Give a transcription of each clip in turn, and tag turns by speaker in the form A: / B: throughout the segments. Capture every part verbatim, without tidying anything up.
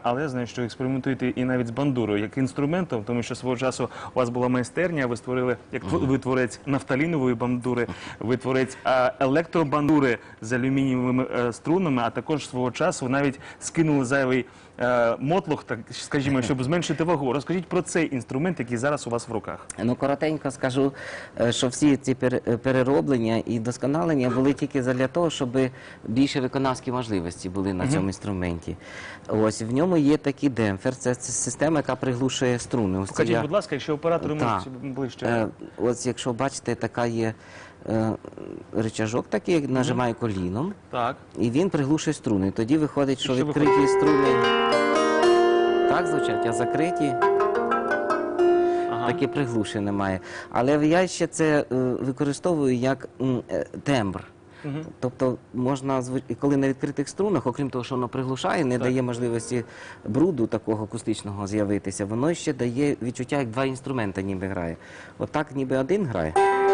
A: але я знаю, що експериментуєте і навіть з бандурою, як інструментом, тому що свого часу у вас була майстерня, ви створили, як ви творець нафталінової бандури, ви творець а, електробандури з алюмінієвими а, струнами, а також свого часу навіть скинули зайвий а, мотлох, так скажімо, щоб зменшити вагу. Розкажіть про цей інструмент, який зараз у вас в руках.
B: Ну, коротенько скажу, що всі ці перероблення і досконалення були тільки для того, щоб більше виконавські можливості були на цьому інструменті. Ось, в ньому є такий демпфер, це система, яка приглушує струни. Ось
A: Покажіть,
B: я...
A: будь ласка, якщо оператори
B: Та.
A: можуть ближче.
B: Е, ось, якщо бачите, така є е, рычажок такий, як нажимаю коліном,
A: Так.
B: і він приглушує струни. Тоді виходить, що
A: що
B: відкриті
A: виходить?
B: струни так звучать, а закриті
A: Ага.
B: таке приглушення немає. Але я ще це е, використовую як м, е, тембр.
A: Угу.
B: Тобто можна, зву- і коли на відкритих струнах, окрім того, що воно приглушає, не
A: Так.
B: дає можливості бруду такого акустичного з'явитися, воно ще дає відчуття, як два інструменти ніби грає. Отак ніби один грає.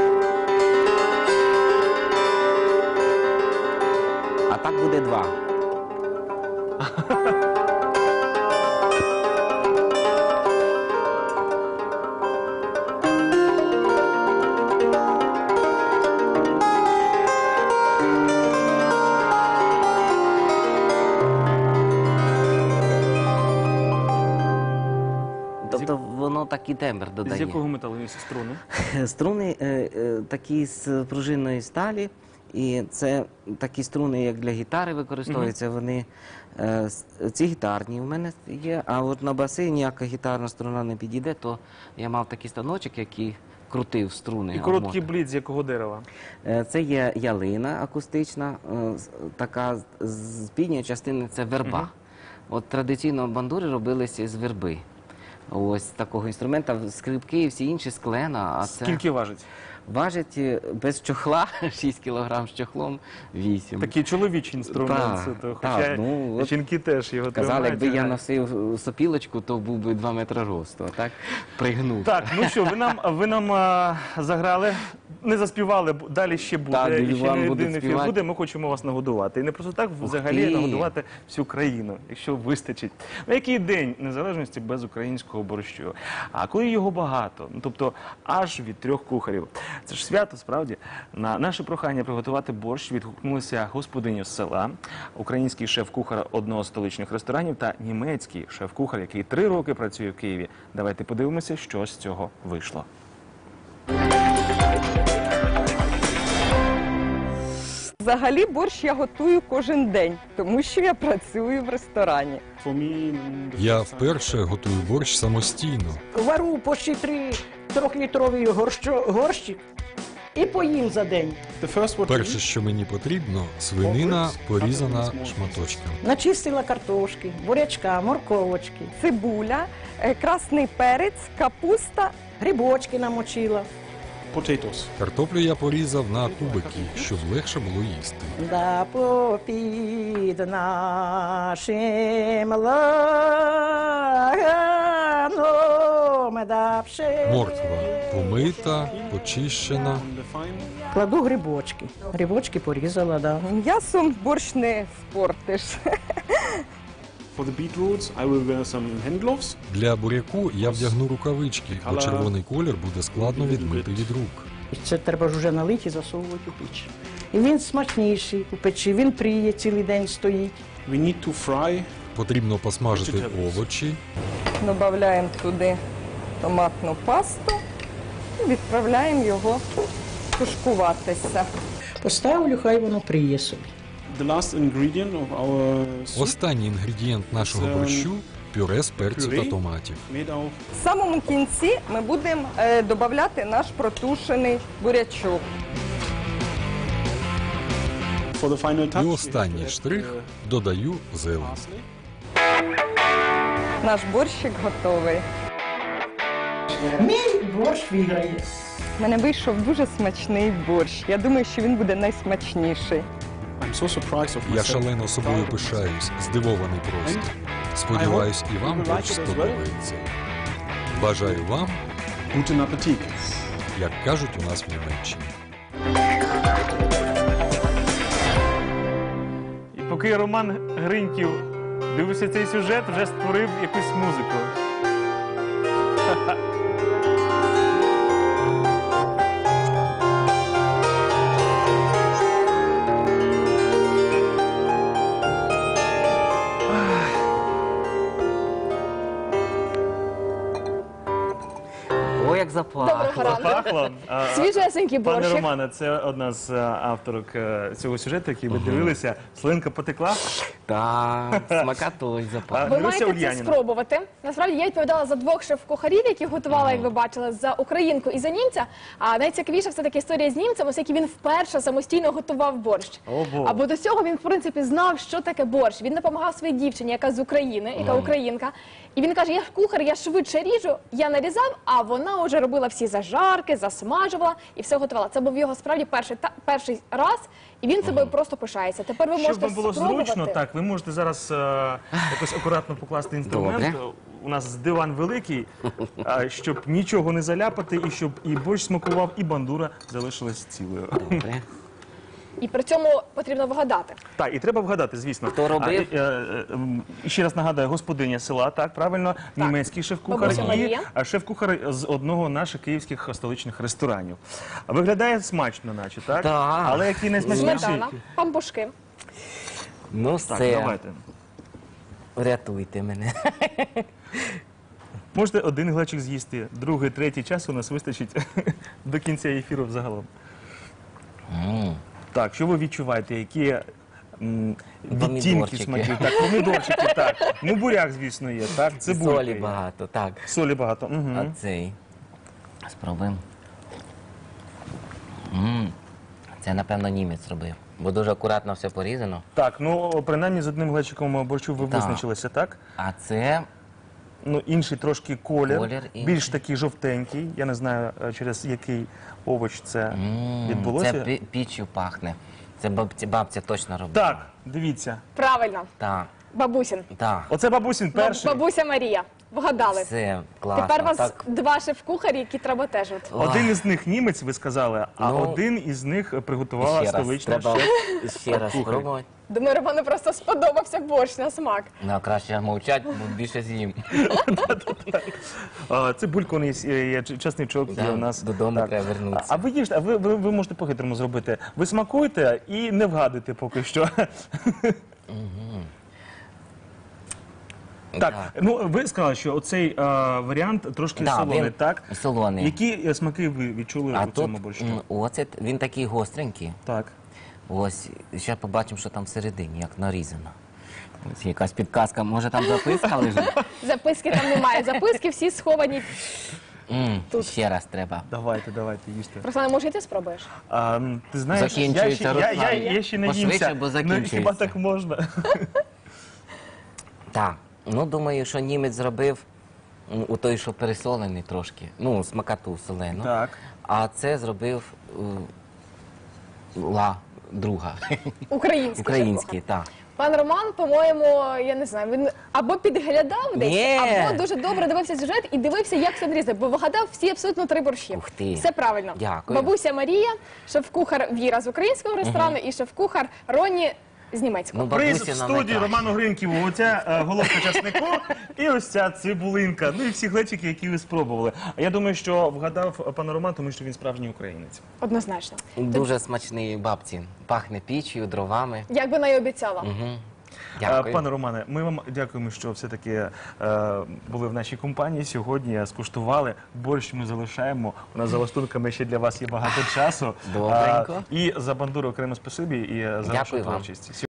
B: А так буде два. Тобто воно такий тембр
A: З
B: додає.
A: якого металу є струни?
B: Струни е, е, такі з пружинної сталі, і це такі струни, як для гітари використовуються. Вони е, с- ці гітарні у мене є, а от на баси ніяка гітарна струна не підійде, то я мав такий станочок, який крутив струни.
A: І короткий
B: обмотав.
A: блід з якого дерева?
B: Е, Це є ялина акустична, е, з- така з- з підньої частини це верба.
A: Мгм.
B: От традиційно бандури робилися з верби. Ось такого інструмента, скрипки і всі інші з клена, а це
A: Скільки важить?
B: важить е, без чохла шість кілограм, з чохлом вісім.
A: Такий чоловічий інструмент.
B: Так,
A: це то,
B: так,
A: хоча
B: ну, от
A: жінки теж його
B: Казали,
A: тримають.
B: якби я
A: а-
B: носив сопілочку, то був би два метри росту, а так пригнув.
A: Так, ну що, ви нам, ви нам а, заграли, не заспівали, бо далі ще буде,
B: Так,
A: і ще
B: вам
A: не
B: будуть
A: один ефір
B: співати.
A: буде, ми хочемо вас нагодувати. І не просто так, взагалі
B: ти.
A: нагодувати всю країну, якщо вистачить. Ну, який день незалежності без українського борщу? А коли його багато, ну, тобто аж від трьох кухарів. Це ж свято, справді. На наше прохання приготувати борщ відгукнулися господиня з села, український шеф-кухар одного з столичних ресторанів та німецький шеф-кухар, який три роки працює в Києві. Давайте подивимося, що з цього вийшло.
C: Взагалі борщ я готую кожен день, тому що я працюю в ресторані.
D: Я вперше готую борщ самостійно.
E: Вару почти три трьохлітровий горщо- горщик і поїм за день.
D: Перше, що мені потрібно, свинина порізана шматочками.
E: Начистила картошки, бурячка, морковочки,
C: Цибуля, е, красний перець, капуста.
E: грибочки намочила.
D: Картоплю я порізав на кубики, щоб легше було їсти.
E: Да попід нашим лаганом, да пше.
D: Морква помита, почищена.
E: Кладу грибочки. Грибочки порізала, да.
C: М'ясом борщ не спортиш.
F: For the beetroots, I will wear some hand gloves.
D: Для буряку я вдягну рукавички, бо червоний колір буде складно відмити від рук.
E: Це треба ж вже налити і засовувати у піч. І він смачніший у печі, він пріє, цілий день стоїть.
F: We need to fry.
D: Потрібно посмажити овочі,
C: Додаємо туди томатну пасту і відправляємо його тушкуватися.
E: Поставлю, хай воно пріє собі.
F: The last ingredient of our soup
D: останній інгредієнт нашого борщу – пюре з перцю та томатів.
F: made of
C: В самому кінці ми будемо е, додавати наш протушений бурячок.
F: for the final touch.
D: І
F: we
D: останній
F: have to add,
D: штрих
F: uh,
D: – додаю зелень.
F: parsley.
C: Наш борщик готовий.
E: Мій борщ виграє.
C: У мене вийшов дуже смачний борщ. Я думаю, що він буде найсмачніший.
F: I'm so surprised of
D: Я
F: myself.
D: шалено собою пишаюсь, здивований просто. Сподіваюсь, і вам борщ сподобається. Бажаю вам,
F: Guten Appetit.
D: як кажуть у нас в Німеччині.
A: І поки Роман Гриньків дивишся цей сюжет, вже створив якусь музику.
B: О, як запахло.
G: Доброго ранку.
A: Запахло. А,
G: Свіжесенький
A: Пане
G: борщик.
A: Романе, це одна з е, авторок е, цього сюжету, який ви дивилися. Слинка потекла.
B: Так, смакатуй запах.
A: А,
G: Ви
A: Люся
G: маєте це
A: Ульяніна.
G: спробувати. Насправді я відповідала за двох шеф-кухарів, які готувала, як ви бачили, за українку і за німця. А найцікавіша все таки історія з німцем, оскільки він вперше самостійно готував борщ.
A: О, Бог.
G: Або до цього він, в принципі, знав, що таке борщ. Він допомагав своїй дівчині, яка з України, яка українка. І він каже: я ж кухар, я швидше ріжу, я нарізав, а вона вже робила всі зажарки, засмажувала і все готувала. Це був його справді перший, та, перший раз, і він собою просто пишається. Тепер ви
A: Щоб
G: можете
A: вам було
G: спробувати.
A: зручно, так, ви можете зараз е, якось акуратно покласти інструмент.
B: Добре.
A: У нас диван великий, а, щоб нічого не заляпати, і щоб і борщ смакував, і бандура залишилась цілою.
B: Добре.
G: І при цьому потрібно вгадати.
A: Так, і треба вгадати, звісно.
B: Хто робив?
A: А, е, е, м, і ще раз нагадаю, господиня села, так, правильно, німецький шеф-кухар
G: Бабуся
A: і
G: Марія.
A: а, шеф-кухар з одного наших київських столичних ресторанів. А виглядає смачно, наче, так?
B: Так.
A: Але який найсмачніший?
G: Сметана, пампушки.
B: Ну
A: Так,
B: все,
A: давайте.
B: врятуйте мене.
A: Можете один глечик з'їсти, другий, третій час у нас вистачить до кінця ефіру взагалом.
B: М,
A: Так, що ви відчуваєте? Які м, відтінки
B: Помідорчики.
A: смаків? Так, помідорчики, так. Ну, буряк, звісно, є, так, цибулька
B: Солі
A: є.
B: багато, так.
A: Солі багато. Угу.
B: А цей. Спробуємо. М, Це, напевно, німець робив. Бо дуже акуратно все порізано.
A: Так, ну, принаймні з одним глечиком борщу ви
B: Так.
A: визначилися, так?
B: А це
A: Ну, інший трошки колір,
B: Колір інший.
A: більш такий жовтенький. Я не знаю, е, через який овоч це
B: м,
A: відбулося.
B: це пі- піччю пахне. Це бабця, бабця точно робила.
A: Так, дивіться.
G: Правильно,
B: Так,
G: бабусін.
B: так.
A: Оце бабусін перший.
G: Бабуся Марія. Вгадали.
B: Все, класно.
G: Тепер у вас
B: Так.
G: два шеф-кухарі, які треба теж. от.
A: Один із них німець, ви сказали, а
B: Ну,
A: один із них приготувала
B: Ще раз,
A: столична
B: треба
A: шеф.
B: ще раз
A: кухар.
B: спробувати.
G: Думаю, Роману просто сподобався борщ на смак.
B: Ну, краще мовчать, бо більше з'їм.
A: А, цибулька у нас є, є чесничок є
B: Да,
A: у нас.
B: додому треба вернутися.
A: А ви їжте, а ви, ви, ви можете по-хитрому зробити. Ви смакуєте і не вгадуєте поки що. Так, ну ви сказали, що оцей е, варіант трошки
B: Да,
A: солоний,
B: він
A: так?
B: солоний.
A: Які е, смаки ви відчули
B: А
A: у цьому
B: тут
A: борщу?
B: м, оцет, він такий гостренький.
A: Так.
B: Ось, ще побачимо, що там всередині, як нарізано. Ось якась підказка, може там записка лежить?
G: Записки там немає. Записки всі сховані.
B: М, Ще раз треба.
A: Давайте, давайте, їжте.
G: Руслане, може, і ти спробуєш?
A: А, м, ти знаєш, я ще,
B: Закінчується,
A: я, я,
B: Руслан.
A: я ще не
B: Пошвидше,
A: їмся.
B: бо
A: Ну,
B: закінчується.
A: хіба так можна?
B: Так, ну думаю, що німець зробив м, у той, що пересолений трошки. Ну, смакату солену.
A: Так.
B: А це зробив е, ла друга.
G: Український.
B: Український, так.
G: Пан Роман, по-моєму, я не знаю, він або підглядав десь,
B: Ні.
G: або дуже добре дивився сюжет і дивився, як все нарізати, бо вигадав всі абсолютно три борщі.
B: Ух ти.
G: Все правильно.
B: Дякую.
G: Бабуся Марія, шеф-кухар Віра з українського ресторану і шеф-кухар Роні з німецького.
B: Ну,
A: Приз
B: бабуся
A: в
B: нам
A: студії
B: найкраще.
A: Роману Гриньківу. Оця е, головка часнику і ось ця цибулинка. Ну і всі глечики, які ви спробували. А я думаю, що вгадав пан Роман, тому що він справжній українець.
G: Однозначно.
B: Дуже смачний бабці. Пахне піччю, дровами.
G: Як би вона й обіцяла.
B: Угу.
A: Е,
B: Дякую.
A: Пане Романе, ми вам дякуємо, що все-таки е, були в нашій компанії сьогодні, скуштували. Борщ ми залишаємо. У нас за лаштунками ще для вас є багато часу.
B: Добренько.
A: Е, і за бандуру окремо спасибі, і за вашу
B: Дякую вам.
A: творчість.